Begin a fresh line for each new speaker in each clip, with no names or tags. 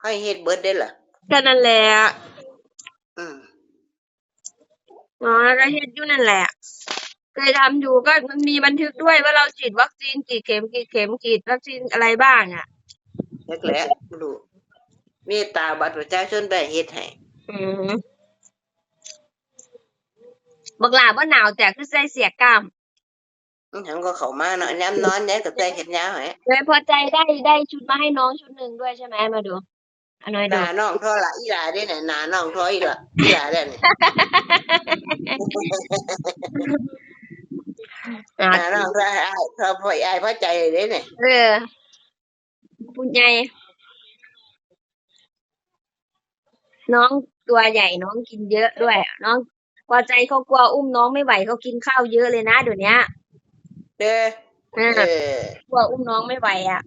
ให้เฮ็ดเบิดได้ล่ะ
ก็นั่นแหละ
อืม
แล้วก็เฮ็ดอยู่นั่นแหละเคยทำอยู่ก็มันมีบันทึกด้วยว่าเราฉีดวัคซีนกี่เข็มฉีดวัคซีนอะไรบ้างอ่ะ
แรกๆบ่รู้มีตาบัตรประชาชนไปเฮ็ดให้
อืมบักหลาบ่หนาวแต่คือใส่เสียกล้าม
หยังก็เข้ามาเนาะยามนอนยายก็ใส่แขนยาวให้
เลยพอใจได้ชุดมาให้น้องชุดหนึ่งด้วยใช่ไหมมาดูอันน้อย
ห
ดู
น้าน้องเท่าละอีหลาเด้น่ะหน้าน้องเท่าอีหลาเด้นี่หน้าน้องเท่าอ้ายเท่าพ่ออ้ายพอใจเด้นี่
ผู้ใหญ่น้องตัวใหญ่น้องกินเยอะด้วยน้องพอใจเขากลัวอุ้มน้องไม่ไหวเขากินข้าวเยอะเลยนะเดี๋ยวนี้
เด้อเออก
ลัวอุ้มน้องไม่ไหวอ่ะ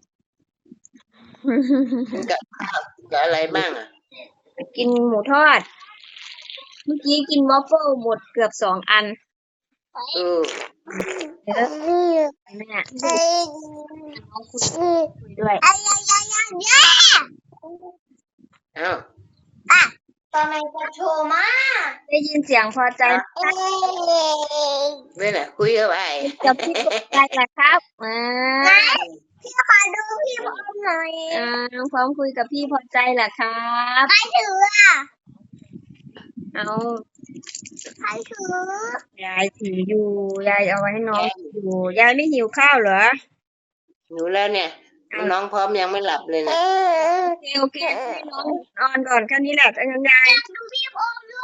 มันก็ข้าวกับอะไรบ้างอ่ะ
กินหมูทอด เมื่อกี้กินวอฟเฟิลหมดเกือบ2 อัน
อือ
เยอะแม่น้องคุยด้วย
อ้าว
ทำไมจะโทรมา
ได้ยินเสียงพอใจ
นี่แหละคุยกับไอ้
กับพี่พอใจแหละครับ
พี่ขอดูพี่พร้อมหน่อย
น้องพร้อมคุยกับพี่พอใจแหละครับ
ใครถืออ่ะ
เอา
ใครถือย
ายถืออยู่ยายเอาไว้ให้น้องอยู่ยายไม่หิวข้าวเหรอ
หนูแล้วเนี่ยน้องพร้อมยังไม่หลับเลยนะ
โอเคให้น้องนอนก่อนแค่นี้แหละยังยาย
ดูพี่พร้อมด้วย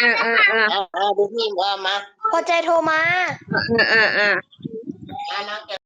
เอาดูพี่ว่ามา
พอใจโทรมา
น้อง